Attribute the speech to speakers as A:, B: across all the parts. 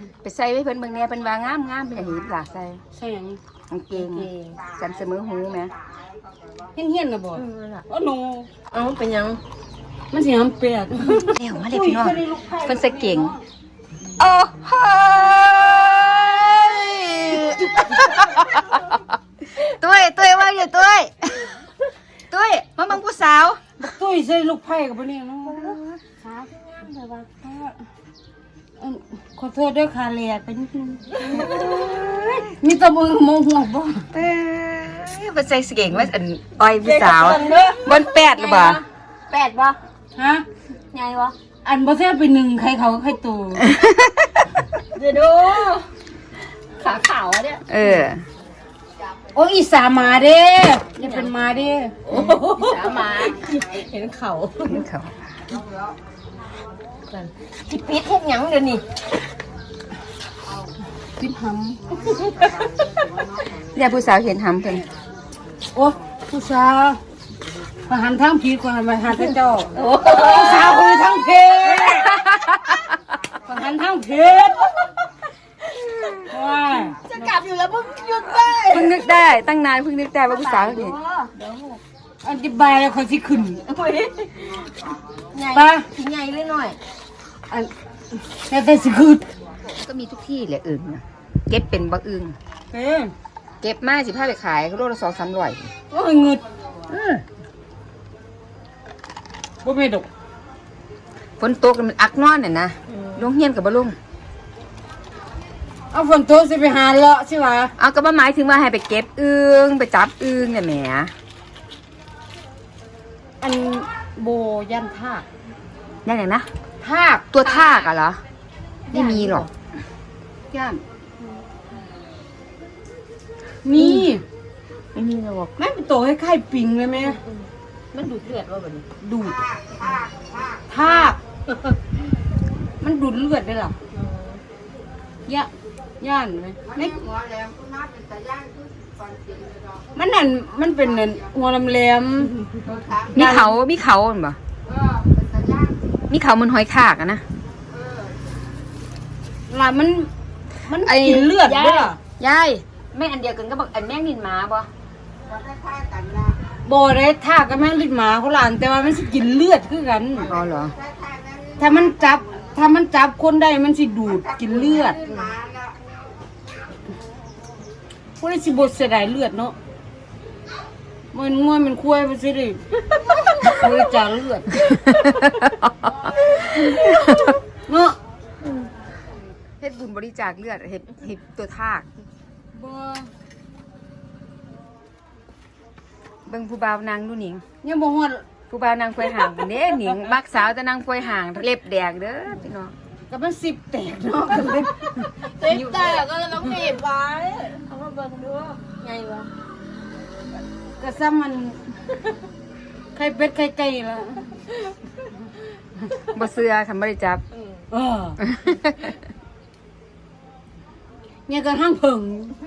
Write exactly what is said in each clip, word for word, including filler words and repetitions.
A: ไปใส่ไว้เพิ่นเบิ่งแน่เพิ่นว่างามงามเป็นอย่างนี้ล่ะใส่
B: ใช่หยัง
A: กางเกงสันเสมอหูแม่
B: เฮี้ยนเฮี้ยนๆนะบ่
C: เออล่ะ
B: อ๋อหนู
C: เอาเป็นหยัง
B: มันสิหำเปียก
A: เร็วมาเลยพี่น้องเพิ่นใส่เก่งโอ้โหตุ้ยตุ้ยว่าอยู่ตุ้ยตุ้ยมาบังผู้สาว
B: บักตุ้ยใส่ลูกไผ่กับบ่เนี่ยเนาะครับแต่ว่าเอิ่มขอโทษด้วยค่ะแหลกไปนิดนึงมีแตะมือมองหัวบ่
A: เอ้ยเพิ่นใส่เก่งว่าอันอ้อยผู้สาวบนแปดหรือเปล่า
C: แปดบ่
B: ฮะ
C: ใหญ่บ่
B: อันบ่แซ่บไปหนึ่งใครเขาใครตู
C: เดี๋ยวดูขาขาวอะเนี่ย
A: เออ
B: โอ้ยอีสามาเด้อย่าเป็นมาเด้
C: โอ้สามาเห็นเขา
A: นี่เขา
C: ที่ปิดเฮ็ดหยังเดี๋ยวนี้
B: พิษห
A: เรียกผู้สาวเห็นหำเพิ่น
B: ำโอ้ผู้สาวมาหันทางผิดกว่ามาหันทางเจ้า
C: โอ้
B: ผู้สาวคุยทางเพศมาหันทางเพศว้าย
C: จะกลับอยู่แล้วมึงหยุดได้
A: เพิ่งนึกได้ตั้งนานเพิ่งนึกได้ว่าผู้สาวนี่
B: อธิบายแล้วเขาสิขึ้น
C: โอ้ยใหญ่
B: ไป
C: ที่ใหญ่เลยหน่อย
B: อันแล้วแต่สิขึ้น
A: ก็มีทุกที่แหละอึ่งน่ะเก็บเป็นบักอึ่ง
B: เอ้ย
A: เก็บมาสิพาไปขายโลละสองสามร้อย
B: โอ้ยเงึด
A: เออ
B: บ่แม่นดอก
A: ฝนตกแล้วมันอักนอนน่ะนะลงเฮียนกับบ่ลง
B: เอาฝนตกสิไปหาเลาะสิวะ
A: เอาก็บ่หมายถึงว่าให้ไปเก็บอึ่งไปจับอึ่งเนี่ยแหม
B: อันโบยันทาก
A: ยังไงนะ
B: ทาก
A: ตัวทากอะเหรอไม่มีหรอก
B: ย่านมี
A: ไม่มีหรอก
B: แม่เป็นตัวคล้ายๆปิงเลยไหม
C: มันดูดเลือดว่าแบบนี้
B: ดูดทาก มันดูดเลือดได้หรอย่าย่านไหมไม่มันนั่นมันเป็นนั่นหัวลำแหลม
A: มีเขามีเขาเห็นบ่มีเขามันหอยทากอะนะ
B: ล่ะมัน มัน
A: ไอ้
B: กินเลือดด้วยเหรอย
A: ายแม่อันเดียวกันก็บอกอันแม่งนินหมาบ่
B: โบได้ทากกับแม่งลิ้นหมาเขาหลานแต่ว่ามันสิกินเลือดคือกัน
A: อ๋อเหรอ
B: ถ้ามันจับ ถ้ามันจับคนได้มันสิดูดกินเลือดพวกนี้สิบดเสียดายเลือดเนาะมันง่วยมันคุ้ยไปสิดิบริจาคเลือดเนาะ
A: เฮ็ดบุญบริจาคเลือดเฮ็ดเฮ็ดตัวทาก
B: บ่
A: เบิ่งผู้บ่าวนางดูหนิง
B: ยังบ่ฮอด
A: ผู้บ่าวนางควยห่างเด้หนิงมักสาวแต่นางควยห่างเล็บแดงเด้อพี่น้อง
B: กับมันสิบแตกเนาะ
C: เต็มแต่ก็เลยต้องหนีบไว้เอามาเบิ่งดูใหญ่วะ
B: ก็ซ้ำมันไข่เป็ดไข่ไก่ละ
A: บ่เชื่อคันบ่ได้จับ
B: เออเนี่ยก็ห้างเพิง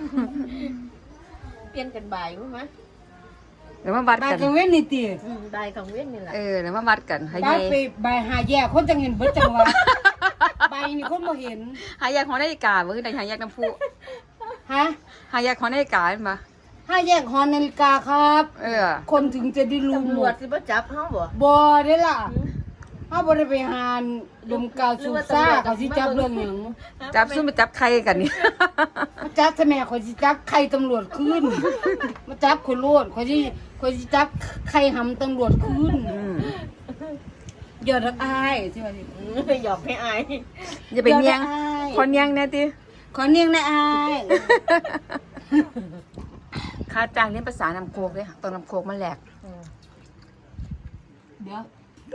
C: เปลี่ยนกันบ่ายรู้ไหม
A: เดี๋ยวมาวัด
B: บาย
A: กัน
B: กังเว้นนี่ติ
C: อืมบ่ายของเว้นนี่แหละ
A: เออเดี๋ยวมาวัดกันให้
B: บาย
A: ยาย
B: ไปบายหาแย่คนจังเห็นเบิดจังหวะบายนี่คนบ่เห็น
A: หายากของนาฬิกาบ่คือได้หายากน้ำพุ
B: ฮะ
A: หายากของนาฬิกาเห็นบ่
B: ห้าแยกหอนาฬิกาครับ
A: เออ
B: คนถึงจะได้รู้
C: ตำรวจสิบ่จับเฮาบ่
B: บ่ได้ล่ะเฮาบ่ได้ไปหาดมกาวสูบซ่าเขาสิจับเรื่องหยัง
A: จับซุ่มไปจับใครกันนี่
B: มาจับทำไมเขาสิจับใครตำรวจขึ้นมาจับคนโลดเขาสิเขาสิจับใครหำตำรวจขึ้น
A: อืม
B: อย่ารักอายใช่ไหม
C: อืมหยอกให้อาย
A: อย่าไปเนียงคนเนียงแน่ติ
B: ขอเนียงนะอาย
A: ค่าจ้างเรียนภาษานำโคกเด้ตอนนำโคกมันแหลก
C: อืม
B: เดี๋ยว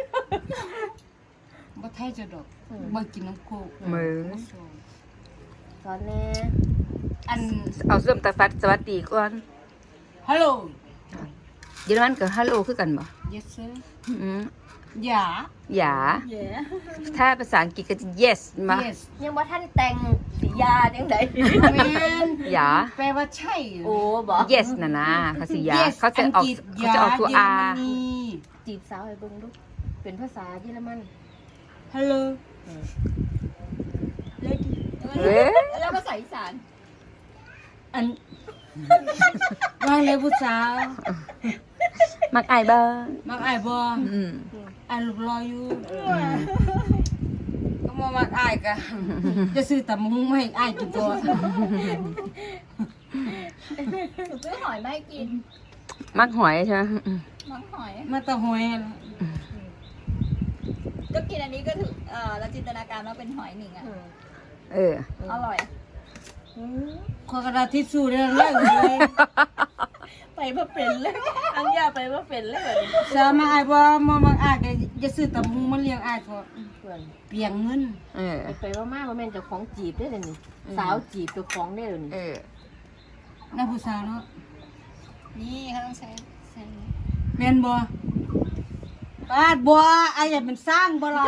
B: บ่ไทยจะดอกบ่กินน้ำโคก
A: มือ
C: สอนแน่
B: อัน
A: เอาเริ่มตาฟัดสวัสดีก่อน
B: ฮัลโหล
A: เยอรมันกับฮัลโหลคือกันบ่
B: yes sir
A: อืม
B: อย่า
A: หยา
C: แย่
A: ถ้าภาษาอังกฤษก็จะ yes มา
B: yes
C: ยังบ่ทันแต่งสียาจังได๋
B: แมน
A: หยา
B: แปลว่าใช่
C: โอ้บ่
A: yes น่ะนะภาษาหยา
B: Yes
A: เขาจะออก
B: งฤษ
A: เขาจะออกตัว
B: ย
A: r
B: เยอรมนี
C: จีบสาวให้เบิ่งดูเป็นภาษาเยอรมัน
B: ฮัลโหล
C: อืม
B: lady เอ
A: เอ้ย
C: แล้วภาษาอีสาน
B: อันว่าเลยผู้สาว
A: มักอายเบ้อ
B: มักอายบ่
A: อืม
B: อายลูกรออยู่ก็มามักอายกะจะซื้อตำมุ้งมาให้อายกินตัว
C: หนูซื้อหอยมาให้กิน
A: มักหอยใช่ไหมอืม
C: มังหอย
B: มาตะหอยนะ
C: ก็กินอันนี้ก็ถือเออเราจินตนาการว่าเป็นหอยหนิงอ่ะ
A: เออ
C: อร่อย
B: ขอกระดาษทิชชู่ได้แล้วเลย
C: ไปเพื่อเป็นเลยอังยาไปเพื่อเป็นเลยแบบนี้
B: สามาอายบ่มามักอายก็จะซื้อตำมุ้งมาเลี้ยงอายเถอะ
D: เพื่อน
B: เปลียงเงิน
A: เออ
D: ไปว่ามาว่าแม่นเจ้าของจีบได้เลยนี่สาวจีบเจ้าของได้เลยนี่
A: เออ
B: น่าผู้สาวเนาะ
C: นี่เขาต้องใช้ใช้
B: แม่นบ่ปาดบ่อายอยากเป็นสร้างบ่ล่ะ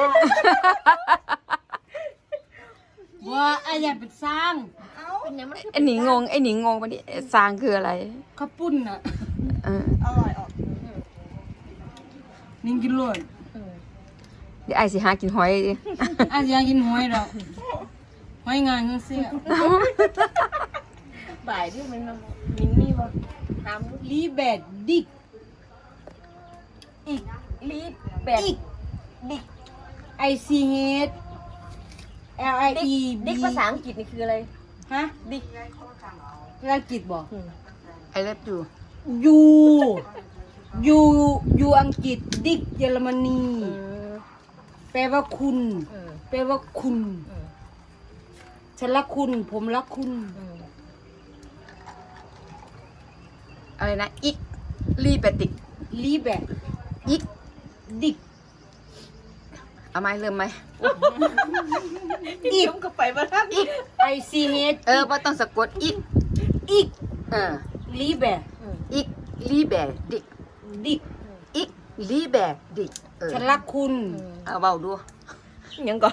B: บ่อายอยากเป็นสร้าง
D: เป็นยังมัน
A: ไอ้หนิงงงไอ้หนิงงงปะนี่สร้างคืออะไร
B: ข้าวปุ้นน่ะ
A: เออ
C: อร่อยออก
B: นิ่งกินโลด
A: เดี๋ยวไอ้สิหากินหอยดิ
B: อายอยากกินหอยดอกหอยงานจังซี่
D: บ่ายที่มันมินนี่บ่ถาม
B: ลีแบดดิก
D: อีกลีดแบด
B: อีก
D: ดิก
B: ไอซีเฮด L I
D: ดิก
B: E
D: ดิกภาษาอังกฤษนี่คืออะไร
B: ฮะ
D: ดิก
B: ภาษาอังกฤษบ่
A: ไอ้เล็บอยู่
B: ยูยูยูอังกฤษดิกเยอรมนี
D: อืม
B: แปลว่าคุณ
D: อืม
B: แปลว่าคุณ
D: อืม
B: ฉันรักคุณ ผมรักคุณ
D: อืม
A: อะไรนะอิกรีเปติก
B: ลีแบด
A: อิก
B: ดิก
A: เอาไหมเริ่มไหม
B: อีก
D: ชมก็ไปบ่ทัน
A: อิก
B: ไอซีเฮด
A: เออว่าต้องสะกดอิก
B: อีก
A: เออ
B: ลีแบด
A: อิกรีแบดิก
B: ดิก
A: อิกรีแบดิกเออ
B: ฉันรักคุณ
A: เอาเบาดู
D: ยังก่อน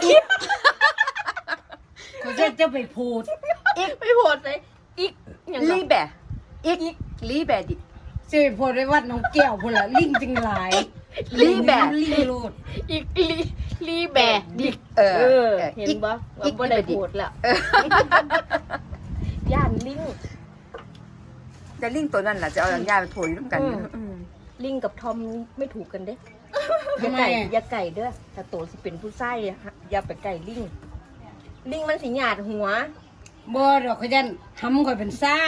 B: เขาจะจะไปพูด
A: อิก
D: ไม่โหดเลยอีกยังก่อ
A: รี
D: น
A: แบอิกรีแบดิก
B: จะไปพูดไปวัดน้องแก้วพุ่นละลิงจึงหลาย
A: ลีแบด
B: ลิงโลด
D: อีกลีลีแบดดิก
A: เออ
D: เออ
A: เออ
D: เห็น
A: อิก
D: บ่
A: อิ
D: ว่าก บ่ได้
A: ลีแบดิก
D: โหดแล้ว
A: เออย่
D: านลิง
A: แต่ลิงตัวนั้นแหละจะเอาอย่างยาไปโผล่อยู่ร่วมกัน
D: อืม
A: อืม
D: ลิงกับทอมไม่ถูกกันเด้อ
B: ทำ
D: อย่า
B: ไม
D: ไก่
B: อะ
D: อย่าไก่เด้อถ้าโตสิเป็นผู้ไส้อะฮะอย่าไปไก่ลิง ลิงมันสิหยาดหัว
B: บ่ดอกเขายันทำข่อยเป็นสร้าง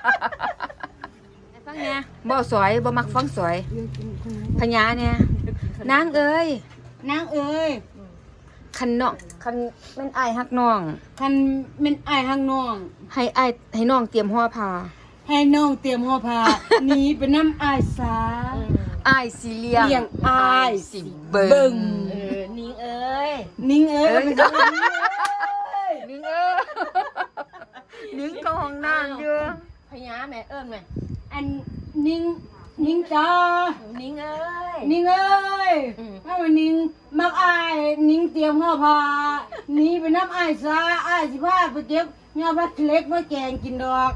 A: ฟังเนี่ยบ่สวยบ่มักฟังสวยพญาเนี่ยนางเอ้ย
B: นางเอ้ย
A: คันน้องคันแม่นอายฮักน้อง
B: คันเป็นอายห้างน้อง
A: ให้อายให้น้องเตรียมห่อผ้า
B: ให้น้องเตรียมห่อผ้า หนีไปน้ำอายสา
A: อายสิเลี้ยง
B: เลี้ยงอาย
A: สิเบิ่
B: เบิ่
A: ง
B: ง
D: เออนิงเอ้ย
B: นิ่งเอ้ย
A: เอ้ย
B: มันจะเป็น
A: นิ้งเอ้ยนิ้งก็ห้องน้ำอยู่
D: พญาแม่เอิ้นแม่
B: อันนิ่งนิ่งจ้า
D: นิงเอ้ย
B: นิ่งเอ้ย
D: อืม
B: ถ้ามันนิ่งมักอายนิ่งเตรียมห่อผ้าหนีไปน้ำอายสาอายสิพาไปเก็บเงาพักเล็กมาแกงกินดอก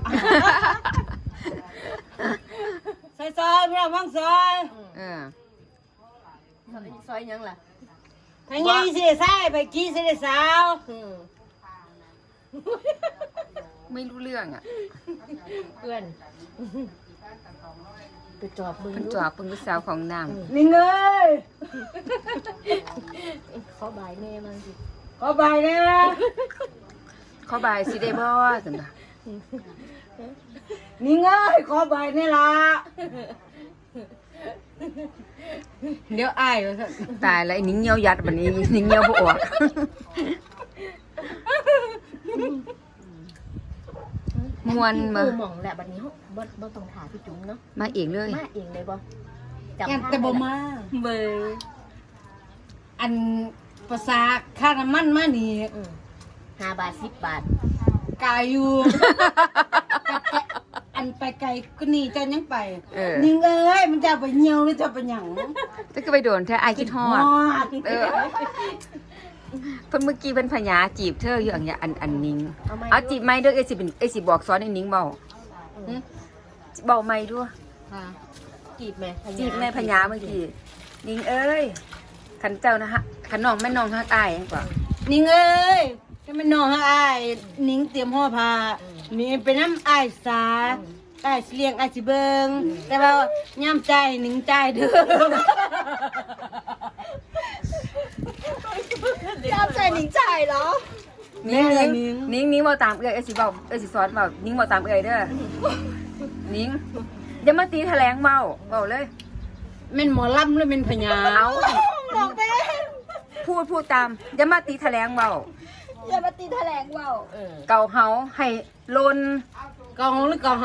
B: ซอยซอยพี่น้องฟังซอย
A: เออ
D: ซอยยังล่ะ
B: ทางนี้สิได้ใส่ไปกี้สิได้สาว
D: อืม
A: ไม่รู้เรื่องอ่ะ
D: เพื่อนไปจอบมึง
A: เพิ่น
D: ดู
A: จอบเพิ่นลูกสาวของนาง
B: นิ่งเอ้ย
D: เขาบายแม่มันสิ
B: ขอบายนะ
A: ขอบายสิได้บ่ซั่นน่ะ
B: นิ่งเอ้ยขอบายนี่ล่ะเดี๋ยวอายว่าซั่น
A: ตายแล้วไอ้นิ้งเหี่ยวยัดบัดนี้นิ้งเหี่ยวบ่ออกม่วนมา
D: กูหม่องแหละบัดนี้เฮาบ่บ่ต้องถามพี่จุ๋มเนาะ
A: มาเองเลย
D: มาเองเลยบ่
B: แอนแต่บ่มา
D: เบอร์
B: อันภาษาค่าน้ำมันมานี่
D: อืมห้าบาทสิบบาท
B: กายอยู่ อันไปไกลก็นี่เจ้ายังไป
A: เออ
B: นิ่งเอ้ยมันจะไปเหี่ยวหรือจะไปหยัง
A: จะก็ไปโดนแท้อายคิดฮอด
B: ฮอด
A: เออเพิ่นเมื่อกี้เพิ่นพญาจีบเธออยู่อันเนี้ยอันอันนิ้ง
D: เอาไหม
A: เอาจีบไม่เด้อเอ้ยสิเป็นเอ้ยสิบอกสอนให้นิ้งเบาหึเบาไม่ด้วย
B: ค่ะ
D: จีบแม่พญา
A: จีบแม่พญาเมื่อกี้นิ้งเอ้ยขันเจ้านะฮะขันน้องแม่น้องฮักอายกว่า
B: นิ่งเอ้ยจะเป็นน้องให้อ้ายนิ้งเตรียมห่อผ้านี่เป็นน้ำอ้ายสาอ้ายสิเลี้ยงอ้ายสิเบิงแต่ว่าย่ำใจนิ้งใจเด้อ
C: จำใจหนิงจ่ายเหรอ
A: นิ้ง
B: แม่
A: นิ้ง
B: นิ้ง
A: นิ้งนิ้งเว้าตามเอ้ยเอ้ยสิเว้าเอ้ยสิสอนเว้านิ้งเว้าตามเอ้ยเด้อนิ้งอย่ามาตีแถลงเว้าเว้าเลย
B: แม่นหมอลำหรือแม่นพญา
A: เอา
C: บอกเป็น
A: พูดพูดตามอย่ามาตีแถลงเว้า
C: อย่ามาตีแถลงเว่า
D: เออ
A: เก่าเฮาให้ลน
B: กองหรือกองห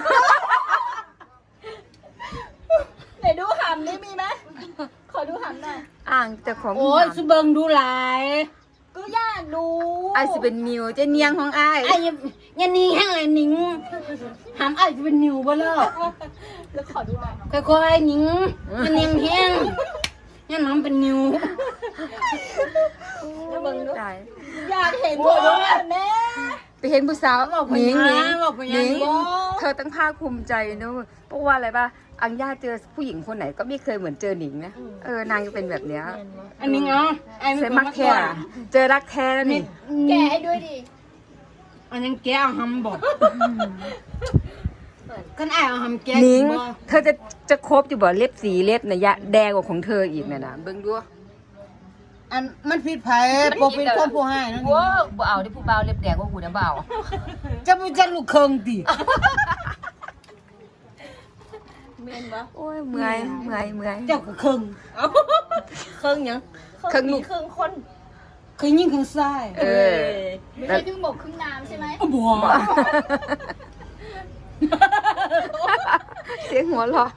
C: ไหนดูหำนี่มีไหมขอดูหำหน่อย
A: อ่างแต่ของ
B: ำโอ้ยสุเบิงดูหลาย
C: ก็อยากดู
A: ไอ้ายสิเป็นนิวเจะเนียงของอ้าย
B: ไอ้ยันยันนี่แห้งเลยนิ้งหามไอ้จะเป็นนิวบ่เลิก
C: แล้วขอดูหน่อย
B: ค่อยๆนิ้งยันนิ่งแห้งยันน้ำเป็นนิว
C: แล้วเบิ่งดู
A: ตาย
C: อยากเห็นตัวด้วยแม่
A: ไปเห็นผู้สาว
B: บอกพ
A: หนิงหนิ
B: ญาง บอกพญา
A: หนิง
B: บ่
A: เธอตั้งภาคภูมิใจเนอะเพราะว่าอะไรป่ะอังย่าเจอผู้หญิงคนไหนก็ไม่เคยเหมือนเจอหนิงนะเออนางจะเป็นแบบเนี้ย
B: อันนี้เนาะไอ้
A: เซมักแท้อะเจอรักแท้แล้วนี่
C: แกะให้ด้วยดิ
B: อันยังแกเอาหำบอกกันไอ้เอาหำแก
A: หนิง
B: บ่
A: เธอจะจะครบอยู่บ่เล็บสีเล็บนะยะแดงกว่าของเธออีกเนี่ยนะเบิ่งดู
B: อันมันผิดไผปกเป็นคนผู้ให้นั่น
A: ว้าบ่เอาที่ผู้บ่าวเล็บแดงกว่าหูนะบ่าว
B: จะบ่จักลูกเคิงติ
C: เมนปะ
A: โอ้ยเมื่อยเมื่อยเมื่อย
B: เจ้าก็เคิง
D: เครื่องหยัง
A: เครื่องลูก
D: เครื่องคน
B: เคยยิงเครื่องซ้าย
A: เออ
C: ไม่ใช่ครึ่งบกครึ่งน้ำใช่ไหม
B: บ่
A: เสียงหัวเราะ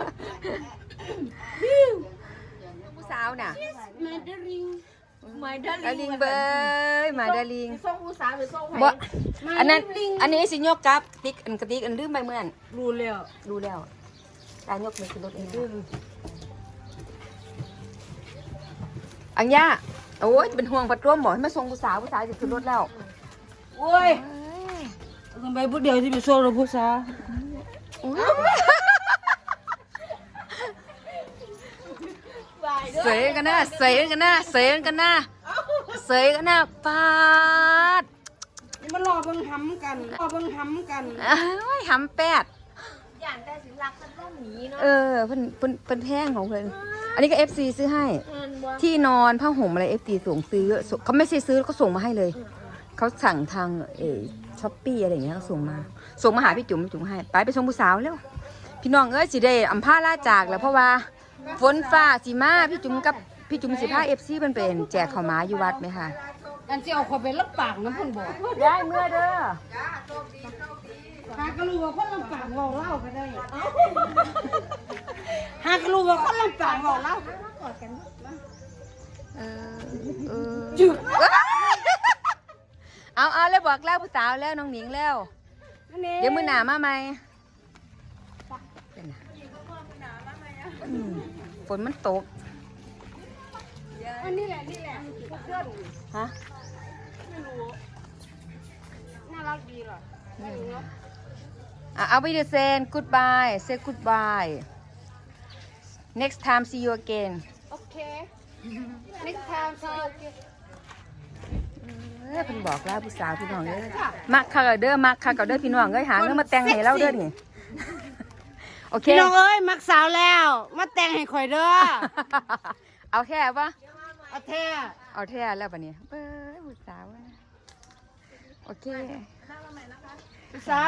A: ผู้สาวน่ะ
B: มาดาริง
D: ไม่ได้
A: ดาลิงเบยมาดาลิง
D: ส่งผู้สาวหรือส่ง
A: บ่
D: ไผ่
A: อันนั้นอันนี้สิยกกับติ๊กอันกระติกอันลืมไปเมื่อน
B: รู้แล้ว
A: รู้แล้วตายกมือขึ้นรถเองนะอังย่าโอ้ยจะเป็นห่วงปัดร่วมหมอให้มาส่งผู้สาวผู้สาวจะขึ้นรถแล้ว
B: โอ้ยทำไมผู้เดียวที่ไปโซ่เราผู้สาว
C: วายด้วย
A: เสยกันนะเสยกันนะเสยกันนะเสยกันนะปาด
B: นี่มารอเบิ่งหำกันรอเบิ่งหำกัน
A: เอ้ยหำแปด
D: อย่างแต่สิรักกันต้องหนีเนาะ
A: เออเพิ่นเพิ่นเพิ่นแพงของเพิ่นอันนี้ก็ เอฟ ซี ซื้อให้
D: เงินบ่
A: ที่นอนผ้าห่มอะไร เอฟ ซี ส่งซื้อส่งเขาไม่ใช่ซื้อเขาส่งมาให้เลยเขาสั่งทางเอช้อปปี้อะไรอย่างเงี้ยเขาส่งมา ส่งมาหาพี่จุ๋มพี่จุ๋มให้ไปไปส่งผู้สาวเร็วพี่น้องเอ้ยสิได้อำพาลาจากแล้วเพราะว่าฝนฟ้าสิมาพี่จุ๋มกับพี่จุ๋มสิพา เอฟ ซี เพิ่นเป็นแจกข้าวหมาอยู่วัดไหมคะ
B: อันที่เอาคนไปรับปากน้ำเพิ่นบอก
A: ได้เมื่อเด้อ
B: หากรู้ว่าคนลำปางเราเล่าไปได้หากรู้ว่าคนลำปางเราเล่า
A: เออเออ
B: จุด
A: เอาเอาแล้วบอกแล้วผู้สาวแล้วน้องหนิงแล้วเดี๋ยวมือหนามาไหมอืมฝนมันตก
B: อันนี้แหละนี่แหละเพื่อน
A: ฮะ
B: น่ารักดีเหรอ
A: อ่ะเอาไปเดเซน goodbye say goodbye next time see you again
B: โอเค next time ค่ะโอเค
A: เอ้ยเพิ่นบอกแล้วผู้สาวพี่น้องเด้อมักคักเอาเด้อมักคักเอาเด้อพี่น้องเอ้ยหาเงินมาแต่งให้เราเด้อนี่โอเค
B: พี่น้องเอ้ยมักสาวแล้ว มาแต่งให้ข่อยเด้อ
A: เอาแค่ปะ
B: เอาแท้
A: เอาแท้แล้วปะเนี่ยเบ้อผู้สาวอะโอเค
B: สาว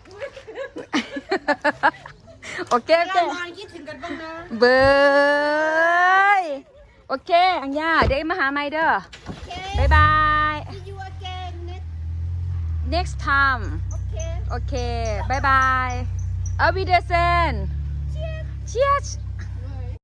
A: โอเคโอเค
B: เรานอนคิดถึงกันบ้างนะ
A: เบยโอเค อังย่าเดี๋ยวมาหาไม่เด้อ บ๊ายบาย
C: See you again next
A: next time
C: okay
A: โอเค บ๊ายบาย เอาวิเดเซน cheers